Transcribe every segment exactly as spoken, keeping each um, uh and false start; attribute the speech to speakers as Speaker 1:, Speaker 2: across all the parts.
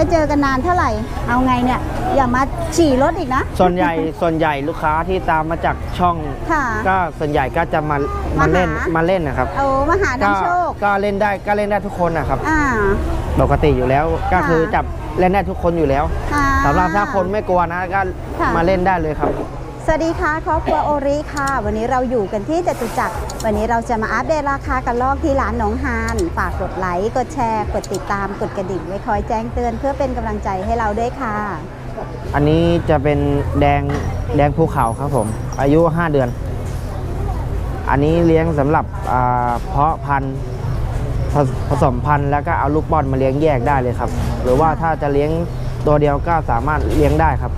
Speaker 1: ได้เจอกันนานเท่าไหร่เอาไงเนี่ยอย่ามาฉี่รถอีกนะ
Speaker 2: ส่วนใหญ่ส่วนใหญ่ลูกค้าที่ตามมาจากช่องก็ส่วนใหญ่ก็จะมามาเล่นมาเล่นนะครับ
Speaker 1: โอ้มาหาน้ำโชค
Speaker 2: ก็เล่นได้ก็เล่นได้ทุกคนนะครับ
Speaker 1: อ่า
Speaker 2: ปกติอยู่แล้วก็คือจับเล่นได้ทุกคนอยู่แล้วสำหรับถ้าคนไม่กลัวนะก็มาเล่นได้เลยครับ
Speaker 1: สวัสดีค่ะครอบครัวโอริค่ะวันนี้เราอยู่กันที่จตุจักรวันนี้เราจะมาอัปเดตราคากระรอกที่ร้านหนองฮานฝากกดไลค์กดแชร์กดติดตามกดกระดิ่งไว้คอยแจ้งเตือนเพื่อเป็นกำลังใจให้เราด้วยค่ะ
Speaker 2: อันนี้จะเป็นแดงแดงภูเขาครับผมอายุห้าเดือนอันนี้เลี้ยงสำหรับเพาะพันธุ์ผสมพันธุ์แล้วก็เอาลูกป้อนมาเลี้ยงแยกได้เลยครับหรือว่าถ้าจะเลี้ยงตัวเดียวก็สามารถเลี้ยงได้ครับ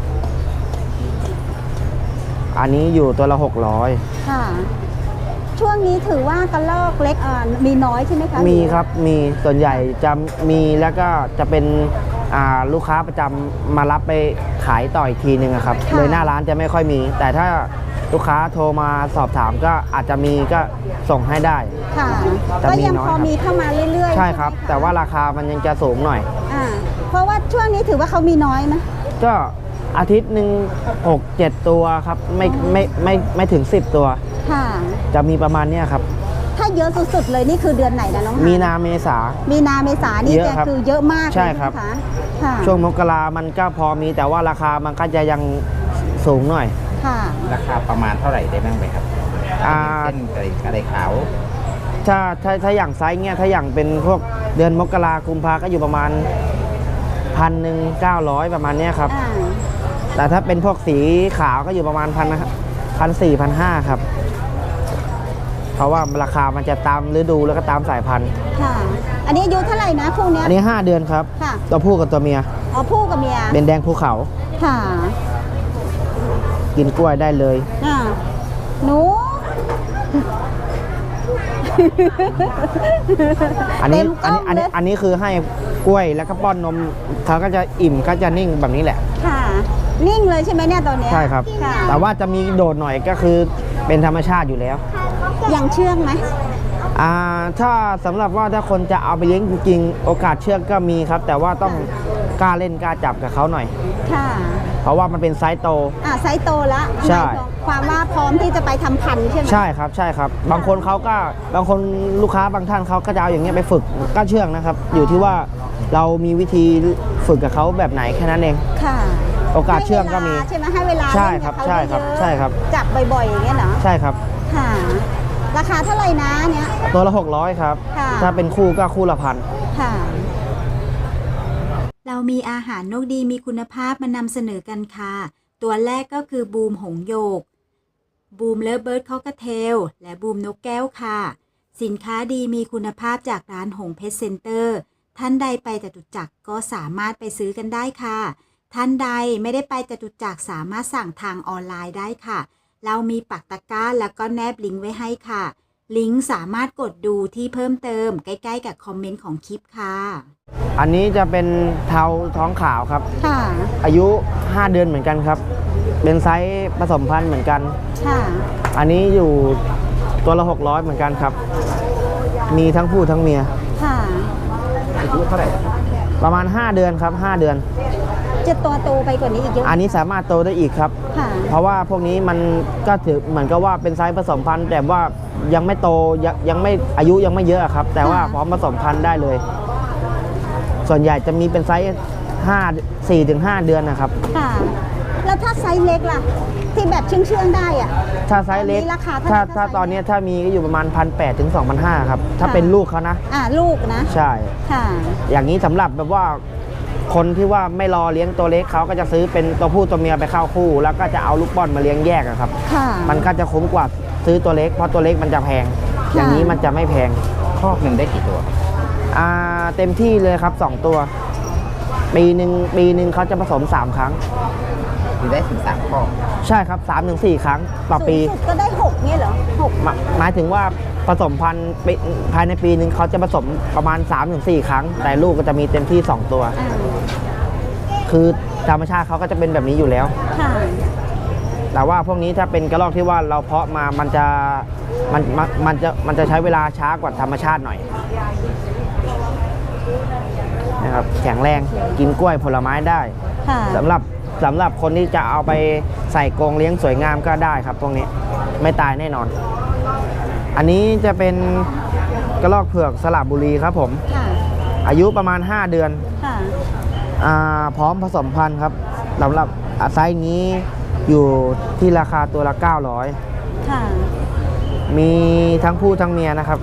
Speaker 2: อันนี้อยู่ตัวละหกร้อย
Speaker 1: ค่ะช่วงนี้ถือว่ากระรอกเล็กมีน้อยใช่ไหมคะ
Speaker 2: มีครับมีส่วนใหญ่จะมีแล้วก็จะเป็นลูกค้าประจำมารับไปขายต่ออีกทีหนึ่งครับโดยหน้าร้านจะไม่ค่อยมีแต่ถ้าลูกค้าโทรมาสอบถามก็อาจจะมีก็ส่งให้ได้
Speaker 1: ค่ะก็ยังพอมีเข้ามาเรื่อยๆ
Speaker 2: ใช่ครับแต่ว่าราคามันยังจะสูงหน่อย
Speaker 1: อ่าเพราะว่าช่วงนี้ถือว่าเขามีน้อยไหม
Speaker 2: ก็อาทิตย์หนึ่งหกเจ็ดตัวครับไม่ไม่ไม่ไม่ถึงสิบตัวค่ะจะมีประมาณนี้ครับ
Speaker 1: ถ้าเยอะสุดๆเลยนี่คือเดือนไหนนะน้อง
Speaker 2: มีนาเมษา
Speaker 1: มีนาเมษานี่จะคือเยอะมาก
Speaker 2: ใช่ครับช่วงมกรามันก็พอมีแต่ว่าราคามันก็จะยังสูงหน่อย
Speaker 3: ค่ะราคาประมาณเท่าไหร่ได้บ้างไหมครับอ่าเส้นอะไรอะไรขาว
Speaker 2: ถ้าถ้าถ้าอย่างไซส์เงี้ยถ้าอย่างเป็นพวกเดือนมกรากุมภาก็อยู่ประมาณพันหนึ่งเก้าร้อยประมาณนี้ครับแต่ถ้าเป็นพวกสีขาวก็อยู่ประมาณพันพันสี่พันห้าครับเพราะว่าราคามันจะตามฤดูแล้วก็ตามสายพันธุ์
Speaker 1: ค่ะอันนี้อายุเท่าไหร่นะคู่นี้
Speaker 2: อันนี้ห้าเดือนครับตัวผู้กับตัวเมีย
Speaker 1: อ๋อผู้กับเมีย
Speaker 2: เป็นแดงภูเขา
Speaker 1: ค่ะ
Speaker 2: กินกล้วยได้เลย
Speaker 1: อ่าหนู
Speaker 2: อันนี้อันนี้อันนี้อันนี้คือให้กล้วยแล้วก็ป้อนนมเขาก็จะอิ่มก็จะนิ่งแบบนี้แหละ
Speaker 1: ค่ะนิ่งเลยใช่ไหมเนี่ยตอนนี้
Speaker 2: ใช่ครับแต่ว่าจะมีโดดหน่อยก็คือเป็นธรรมชาติอยู่แล้ว
Speaker 1: ยังเชื่องไหม
Speaker 2: อ่าถ้าสำหรับว่าถ้าคนจะเอาไปเลี้ยงจริงๆโอกาสเชื่องก็มีครับแต่ว่าต้องกล้าเล่นกล้าจับกับเขาหน่อย
Speaker 1: ค่ะ
Speaker 2: เพราะว่ามันเป็นไซส์โต
Speaker 1: อ่าไซส์โตแล้ว
Speaker 2: ใช่
Speaker 1: ความว่าพร้อมที่จะไปทำพันธุ์ใช่ไหม
Speaker 2: ใช่ครับใช่ครับบางคนเขาก็บางคนลูกค้าบางท่านเขาก็จะเอาอย่างเงี้ยไปฝึกก็เชื่องนะครับอยู่ที่ว่าเรามีวิธีฝึกกับเขาแบบไหนแค่นั้นเอง
Speaker 1: ค่ะ
Speaker 2: โอกาสเชื่องก็มี
Speaker 1: ใช่ไหมให้เวลา
Speaker 2: ใช่ครับใช่ครับใช่ครับ
Speaker 1: จับบ่อยๆอย่างเงี้ยเหรอ
Speaker 2: ใช่ครับ
Speaker 1: ค่ะราคาเท่าไหร่นะเนี้ย
Speaker 2: ตัวละหกร้อยครับถ้าเป็นคู่ก็คู่ละพัน
Speaker 1: ค่ะ
Speaker 4: เรามีอาหารนกดีมีคุณภาพมานำเสนอกันค่ะตัวแรกก็คือบูมหงโยกบูมเลิฟเบิร์ดคอกเทลและบูมนกแก้วค่ะสินค้าดีมีคุณภาพจากร้านหงเพชรเซ็นเตอร์ท่านใดไปจตุจักรก็สามารถไปซื้อกันได้ค่ะท่านใดไม่ได้ไปจตุจักรสามารถสั่งทางออนไลน์ได้ค่ะเรามีปักตะกร้าแล้วก็แนบลิงก์ไว้ให้ค่ะลิงก์สามารถกดดูที่เพิ่มเติมใกล้ๆกับคอมเมนต์ของคลิปค่ะ
Speaker 2: อันนี้จะเป็นเทาท้องขาวครับ
Speaker 1: ค่ะ
Speaker 2: อายุห้าเดือนเหมือนกันครับเป็นไซส์ผสมพันธุ์เหมือนกัน
Speaker 1: ค่ะ
Speaker 2: อันนี้อยู่ตัวละหกร้อยเหมือนกันครับมีทั้งผู้ทั้งเมีย
Speaker 1: ค่ะ
Speaker 3: อายุเท่าไหร่
Speaker 2: ประมาณห้าเดือนครับห้าเดือน
Speaker 1: จะโตโตไปกว่านี้อีกเยอะ
Speaker 2: อันนี้สามารถโตได้อีกครับเพราะว่าพวกนี้มันก็ถือเหมือนกับว่าเป็นไซส์ผสมพันธุ์แต่ว่ายังไม่โตยังไม่อายุยังไม่เยอะครับแต่ว่าพร้อมผสมพันธุ์ได้เลยส่วนใหญ่จะมีเป็นไซส์ห้า สี่ถึงห้าเดือนนะครับ
Speaker 1: ค่ะแล้วถ้าไซส์เล็กล่ะที่แบบเชื่องๆได้อ่ะ
Speaker 2: ถ้าไซส์เล็กถ้าถ้าตอนนี้ถ้ามีก็อยู่ประมาณ พันแปดร้อย ถึง สองพันห้าร้อย ครับถ้าเป็นลูกเขานะ
Speaker 1: อ่าลูกนะ
Speaker 2: ใช่
Speaker 1: ค่ะ
Speaker 2: อย่างนี้สำหรับแบบว่าคนที่ว่าไม่รอเลี้ยงตัวเล็กเขาก็จะซื้อเป็นตัวผู้ตัวเมียไปเข้าคู่แล้วก็จะเอาลูกบอลมาเลี้ยงแยกครับมันก็จะคุ้มกว่าซื้อตัวเล็กเพราะตัวเล็กมันจะแพงอย่างนี้มันจะไม่แพง
Speaker 3: คอกหนึ่งได้กี่ตัว
Speaker 2: อ่าเต็มที่เลยครับสองตัวปีหนึ่งปีหนึ่งเขาจะผสมสามครั้ง
Speaker 3: มีได้ถึงสามคอก
Speaker 2: ใช่ครับสามถึงสี่ครั้งต่อปี
Speaker 1: ก็ได้หกเนี่ยเหรอหก
Speaker 2: หมายถึงว่าผสมพันธุ์ภายในปีหนึ่งเขาจะผสมประมาณ สามถึงสี่ ครั้งแต่ลูกก็จะมีเต็มที่สองตัวคือธรรมชาติเขาก็จะเป็นแบบนี้อยู่แล้วแต่ว่าพวกนี้ถ้าเป็นกระรอกที่ว่าเราเพาะมามันจะมันมันจะมันจะใช้เวลาช้ากว่าธรรมชาติหน่อยนะครับแข็งแรงกินกล้วยผลไม้ได้
Speaker 1: ค่ะ
Speaker 2: สำหรับสำหรับคนที่จะเอาไปใส่กรงเลี้ยงสวยงามก็ได้ครับพวกนี้ไม่ตายแน่นอน อันนี้จะเป็นกระรอกเผือกสระบุรีครับผม
Speaker 1: ค่ะ
Speaker 2: อายุประมาณ ห้า เดือน
Speaker 1: ค่ะ
Speaker 2: อ่าพร้อมผสมพันธุ์ครับสำหรับไซส์นี้อยู่ที่ราคาตัวละเก้าร้อย
Speaker 1: ค่ะ
Speaker 2: มีทั้งผู้ทั้งเมียนะครับ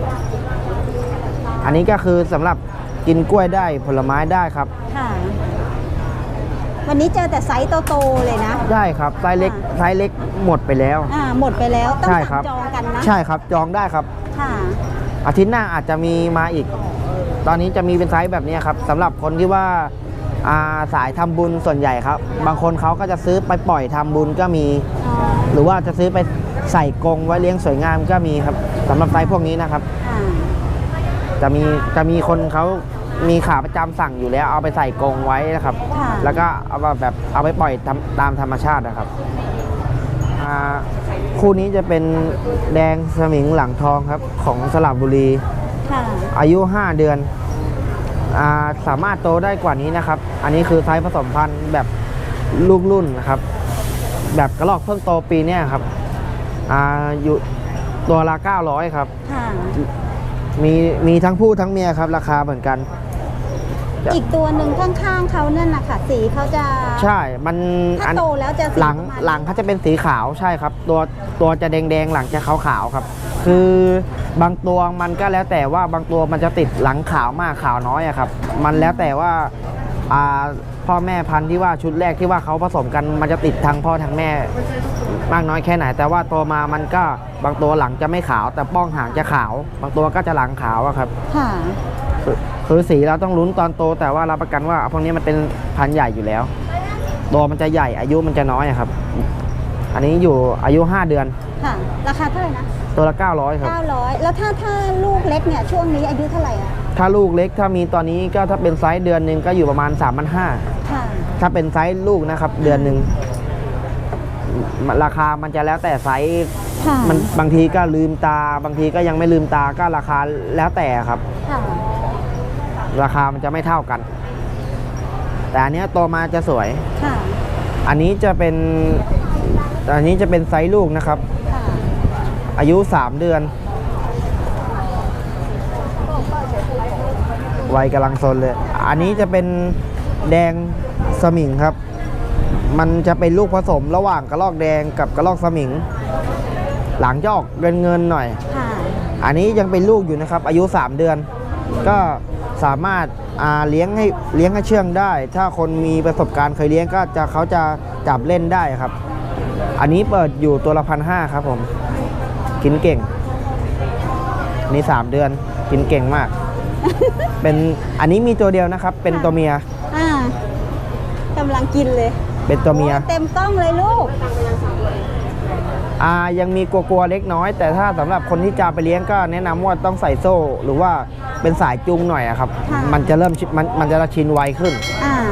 Speaker 2: อันนี้ก็คือสำหรับกินกล้วยได้ผลไม้ได้ครับ
Speaker 1: ค่ะ วันนี้เจอแต่ไซส์โตๆเลยนะ
Speaker 2: ได้ครับไซส์เล็กไซส์เล็กหมดไปแล้ว
Speaker 1: อ่า หมดไปแล้ว ต้อง
Speaker 2: ใช่ครั
Speaker 1: สั่
Speaker 2: บ
Speaker 1: งจองกันนะ
Speaker 2: ใช่ครับจองได้ครับ
Speaker 1: ค่ะ
Speaker 2: อาทิตย์หน้าอาจจะมีมาอีก ตอนนี้จะมีเป็นไซส์แบบนี้ครับสำหรับคนที่ว่าอ่าสายทำบุญส่วนใหญ่ครับ บางคนเขาก็จะซื้อไปปล่อยทำบุญก็มี
Speaker 1: อ๋อ
Speaker 2: หรือว่าจะซื้อไปใส่กรงไว้เลี้ยงสวยงามก็มีครับสำหรับไซส์พวกนี้นะครับ
Speaker 1: อ่า
Speaker 2: จะมีจะมีคนเขามีขาประจำสั่งอยู่แล้วเอาไปใส่กรงไว้นะครับ
Speaker 1: ค่ะ
Speaker 2: แล้วก็เอามาแบบเอาไปปล่อยตามตามธรรมชาตินะครับอ่าคู่นี้จะเป็นแดงสมิงหลังทองครับของสระบุรี
Speaker 1: ค่ะ
Speaker 2: อายุ ห้า เดือนอาสามารถโตได้กว่านี้นะครับ อันนี้คือไซส์ผสมพันธุ์แบบลูกรุ่นนะครับ แบบกระรอกเพิ่งโตปีเนี้ยครับอาอยู่ตัวละเก้าร้อยครับ
Speaker 1: ค่ะ
Speaker 2: มีมีทั้งผู้ทั้งเมียครับราคาเหมือนกัน
Speaker 1: อีกตัวหนึ่งข้างๆเขานั่นนะคะสีเขาจะ
Speaker 2: ใช่ มัน
Speaker 1: ถ้าโตแล้วจะสี
Speaker 2: หลัง
Speaker 1: ประมาณ
Speaker 2: หลังเขาจะเป็นสีขาวใช่ครับ ตัวตัวจะแดงๆหลังจะขาวๆครับ คือบางตัวมันก็แล้วแต่ว่าบางตัวมันจะติดหลังขาวมากขาวน้อยอะครับ มันแล้วแต่ว่าอ่าพ่อแม่พันธุ์ที่ว่าชุดแรกที่ว่าเขาผสมกันมันจะติดทั้งพ่อทั้งแม่มากน้อยแค่ไหน แต่ว่าโตมามันก็บางตัวหลังจะไม่ขาว แต่ป้องหางจะขาว บางตัวก็จะหลังขาวอะครับ
Speaker 1: ค่ะ
Speaker 2: คือคือสีเราต้องลุ้นตอนโตแต่ว่ารับประกันว่าพวกนี้มันเป็นพันธุ์ใหญ่อยู่แล้วตัวมันจะใหญ่อายุมันจะน้อยอะครับ อันนี้อยู่อายุ ห้า เดือน
Speaker 1: ค่ะ ราคาเท่าไหร่นะ
Speaker 2: ตัวละเก้าร้อยครับ
Speaker 1: เก้าร้อยแล้วถ้าถ้าลูกเล็กเนี่ยช่วงนี้อายุเท่าไหร่อ่ะ
Speaker 2: ถ้าลูกเล็กถ้ามีตอนนี้ก็ถ้าเป็นไซส์เดือนหนึ่งก็อยู่ประมาณ สามพันห้าร้อย
Speaker 1: ค่ะ
Speaker 2: ถ้าเป็นไซส์ลูกนะครับ เดือนหนึ่งราคามันจะแล้วแต่ไซส์
Speaker 1: ค่ะ
Speaker 2: มันบางทีก็ลืมตา บางทีก็ยังไม่ลืมตาก็ราคาแล้วแต่ครับ
Speaker 1: ค่ะ
Speaker 2: ราคามันจะไม่เท่ากัน แต่อันเนี้ยโตมาจะสวย
Speaker 1: ค่ะ
Speaker 2: อันนี้จะเป็นอันนี้จะเป็นไซส์ลูกนะครับ
Speaker 1: ค่ะ
Speaker 2: อายุ สาม เดือนวัยกำลังซนเลย อันนี้จะเป็นแดงสมิงครับ มันจะเป็นลูกผสมระหว่างกระรอกแดงกับกระรอกสมิง หลังจะออกเงินเงินๆหน่อย
Speaker 1: ค่ะ
Speaker 2: อันนี้ยังเป็นลูกอยู่นะครับ อายุ สาม เดือน ก็สามารถอ่าเลี้ยงให้เลี้ยงให้เชื่องได้ ถ้าคนมีประสบการณ์เคยเลี้ยงก็จะเขาจะจับเล่นได้ครับ อันนี้เปิดอยู่ตัวละพันห้าครับผม กินเก่งอันนี้ สาม เดือนกินเก่งมาก เป็นอันนี้มีตัวเดียวนะครับ เป็นตัวเมีย
Speaker 1: อ่ากำลังกินเลย
Speaker 2: เป็นตัวเมีย
Speaker 1: โอ้เต็มกล้องเลยลูก
Speaker 2: อ่ายังมีกลัวๆเล็กน้อย แต่ถ้าสำหรับคนที่จะไปเลี้ยงก็แนะนำว่าต้องใส่โซ่ หรือว่าเป็นสายจูงหน่อยอะครับ
Speaker 1: ค่ะ
Speaker 2: มันจะเริ่มชิมันมันจะชินไวขึ้น
Speaker 1: อ่า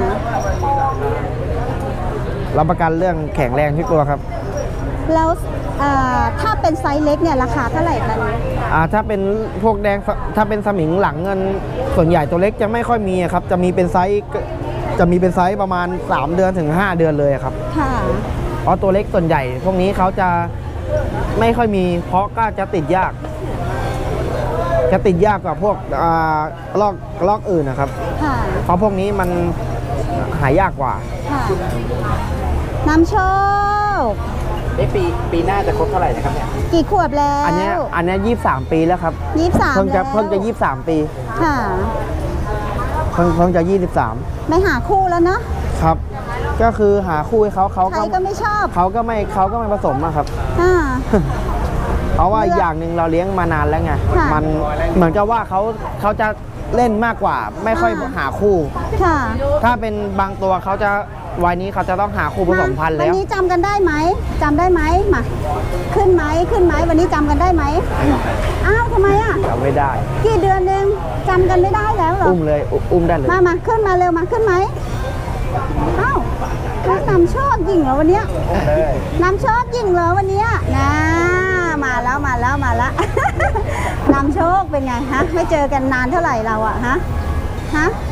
Speaker 2: รับประกันเรื่องแข็งแรงทุกตัวครับ
Speaker 1: แล้วอ่าถ้าเป็นไซส์เล็กเนี่ยราคาเท่าไหร่กัน
Speaker 2: อ่าถ้าเป็นพวกแดงถ้าเป็นสมิงหลังเงินส่วนใหญ่ตัวเล็กจะไม่ค่อยมีอะครับ จะมีเป็นไซส์จะมีเป็นไซส์ประมาณ สาม เดือนถึง ห้า เดือนเลยครับ
Speaker 1: ค่ะ
Speaker 2: เพราะตัวเล็กส่วนใหญ่ พวกนี้เขาจะไม่ค่อยมี เพราะก็จะติดยาก จะติดยากกว่าพวกอ่ากระลอกกระลอกอื่นนะครับ
Speaker 1: ค่ะ
Speaker 2: เพราะพวกนี้มันหายากกว่า
Speaker 1: ค่ะน้ำโชค
Speaker 3: เอ๊ะปีปีหน้าจะครบเท่าไหร่นะครับเนี่ย
Speaker 1: กี่ขวบแล้ว
Speaker 2: อันเนี้ยอันเนี้ยยี่สิบสามปีแล้วครับ
Speaker 1: ยี่สิบสาม
Speaker 2: เพิ่งจะ
Speaker 1: แล้ว
Speaker 2: เพิ่งจะยี่สิบสามปี
Speaker 1: ค่ะ
Speaker 2: เพิ่งเพิ่งจะยี่สิบสาม
Speaker 1: ไม่หาคู่แล้วเนาะ
Speaker 2: ครับ ก็คือหาคู่ให้เขาเขา
Speaker 1: ใคร
Speaker 2: ก็
Speaker 1: ก็ไม่ชอบ
Speaker 2: เขาก็ไม่เขาก็ไม่ผสมอะครับ
Speaker 1: อ่า
Speaker 2: เพราะว่า
Speaker 1: เลือก
Speaker 2: อย่างหนึ่งเราเลี้ยงมานานแล้วไง
Speaker 1: ค่ะ
Speaker 2: มันเหมือนกับว่าเขาเขาจะเล่นมากกว่า ไม่ค่อย
Speaker 1: อ่า
Speaker 2: หาคู่
Speaker 1: ค่ะ
Speaker 2: ถ้าเป็นบางตัวเขาจะวัยนี้เขาจะต้องหาคู่ผสมพันธุ์
Speaker 1: วั
Speaker 2: แล้ว
Speaker 1: นี้จำกันได้ไหมจำได้ไหมมาขึ้นไหมขึ้นไหมวันนี้จำกันได้ไหมอ้าวทำไมอ่ะ
Speaker 2: จำไม่ได้
Speaker 1: กี่เดือนเองจำกันไม่ได้แล้วเหรอ
Speaker 2: อุ้มเลยอุอุ้มได้เลย
Speaker 1: มามาขึ้นมาเร็วมาขึ้นไหมอ้าวแล้วนำโชคยิงเหรอวันเนี้ยนำโชคยิงเหรอวันเนี้ยนะมาแล้วมาแล้วมาแล้ว นำโชคเป็นไงฮะไม่เจอกันนานเท่าไหร่เราอะฮะฮะ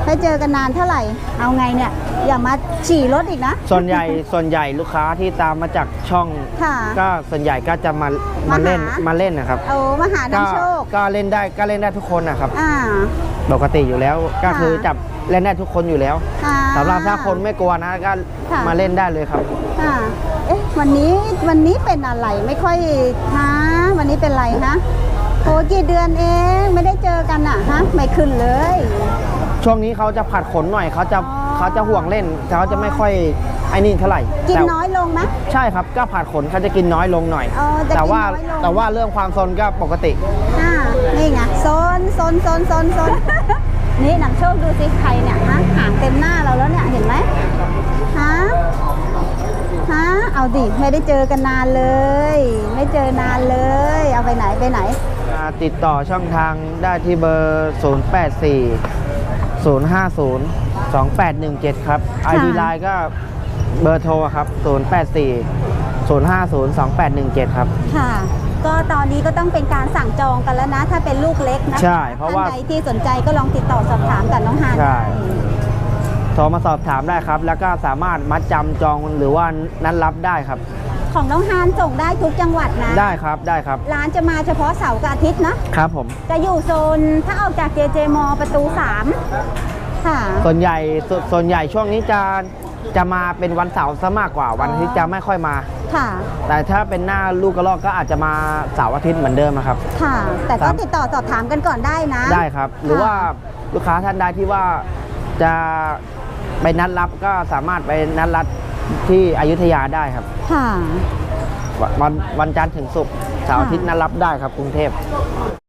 Speaker 1: ให้เจอกันนานเท่าไหร่เอาไงเนี่ยอย่ามาฉี่รถอีกนะ
Speaker 2: ส่วนใหญ่ส่วนใหญ่ลูกค้าที่ตามมาจากช่อง
Speaker 1: ค่ะ
Speaker 2: ก็ส่วนใหญ่ก็จะมา
Speaker 1: มา
Speaker 2: มาเล่น
Speaker 1: หา
Speaker 2: มาเล่นนะครับ
Speaker 1: เอามาหา
Speaker 2: ก็
Speaker 1: น้ำโชค
Speaker 2: ก็เล่นได้ก็เล่นได้ทุกคนนะครับ
Speaker 1: อ่า
Speaker 2: ปกติอยู่แล้วก็
Speaker 1: ค่ะ
Speaker 2: คือจับเล่นได้ทุกคนอยู่แล้ว
Speaker 1: อ่า
Speaker 2: สำหรับถ้าคนไม่กลัวนะก็
Speaker 1: ค่ะ
Speaker 2: มาเล่นได้เลยครับ
Speaker 1: อ่าเอ๊ะวันนี้วันนี้เป็นอะไรไม่ค่อยฮะวันนี้เป็นไรฮะโอ้กี่เดือนเองไม่ได้เจอกันอ่ะฮะไม่ขึ้นเลย
Speaker 2: ช่วงนี้เขาจะผัดขนหน่อยเขาจะ
Speaker 1: อ๋อ
Speaker 2: เขาจะห่วงเล่นเขาจะไม่ค่อยไอ้นี่เท่าไหร่
Speaker 1: กิน
Speaker 2: แต่
Speaker 1: น้อยลงไหม
Speaker 2: ใช่ครับก็ผัดขนเขาจะกินน้อยลงหน่อย
Speaker 1: อ๋อจะกิน
Speaker 2: แต่ว่า
Speaker 1: น้อยลง
Speaker 2: แต่ว่าเรื่องความซนก็ปกติ
Speaker 1: อ่านี่ไงโซนโซนโซนโซนโซน นี่นำโชคดูสิใครเนี่ยฮะหางเต็มหน้าเราแล้วเนี่ยเห็นไหมฮะฮะเอาดิไม่ได้เจอกันนานเลย ไม่เจอนานเลย เอาไปไหนไปไหน
Speaker 2: ติดต่อช่องทางได้ที่เบอร์ ศูนย์ แปด สี่ ศูนย์ ห้า ศูนย์ สอง แปด หนึ่ง เจ็ด ครับ ไอ ดี ไลน์ก็เบอร์โทรครับ ศูนย์ แปด สี่ ศูนย์ ห้า ศูนย์ สอง แปด หนึ่ง เจ็ด ครับ
Speaker 1: ค่ะ ก็ตอนนี้ก็ต้องเป็นการสั่งจองกันแล้วนะ ถ้าเป็นลูกเล็กนะ
Speaker 2: ใช่เพราะว่า
Speaker 1: ท่านใดที่สนใจก็ลองติดต่อสอบถามกับน้องฮาน
Speaker 2: ใช่
Speaker 1: ได้
Speaker 2: โทรมาสอบถามได้ครับ แล้วก็สามารถมัดจำจองหรือว่านัดรับได้ครับ
Speaker 1: ของน้องฮานส่งได้ทุกจังหวัดนะ
Speaker 2: ได้ครับได้ครับ
Speaker 1: ร้านจะมาเฉพาะเสาร์กับอาทิตย์นะ
Speaker 2: ครับผม
Speaker 1: จะอยู่โซนถ้าออกจาก เจ เจ ม ประตูสามค่ะ
Speaker 2: ส่วนใหญ่สส่วนใหญ่ช่วงนี้จะจะมาเป็นวันเสาร์ซะมากกว่าวันอาทิตย์จะไม่ค่อยมา
Speaker 1: ค่ะ
Speaker 2: แต่ถ้าเป็นหน้าลูกกระรอกก็อาจจะมาเสาร์อาทิตย์เหมือนเดิมอะครับ
Speaker 1: ค่ะ แต่
Speaker 2: ครั
Speaker 1: ก็
Speaker 2: บ
Speaker 1: ติดต่อสอบถามกันก่อนได้นะ
Speaker 2: ได้ครับ หรือว่าลูกค้าท่านใดที่ว่าจะไปนัดรับก็สามารถไปนัดรับที่อยุธยาได้ครับ
Speaker 1: ค่ะ
Speaker 2: วันวันจันทร์ถึงศุกร์เสาร์อาทิตย์นัดรับได้ครับกรุงเทพ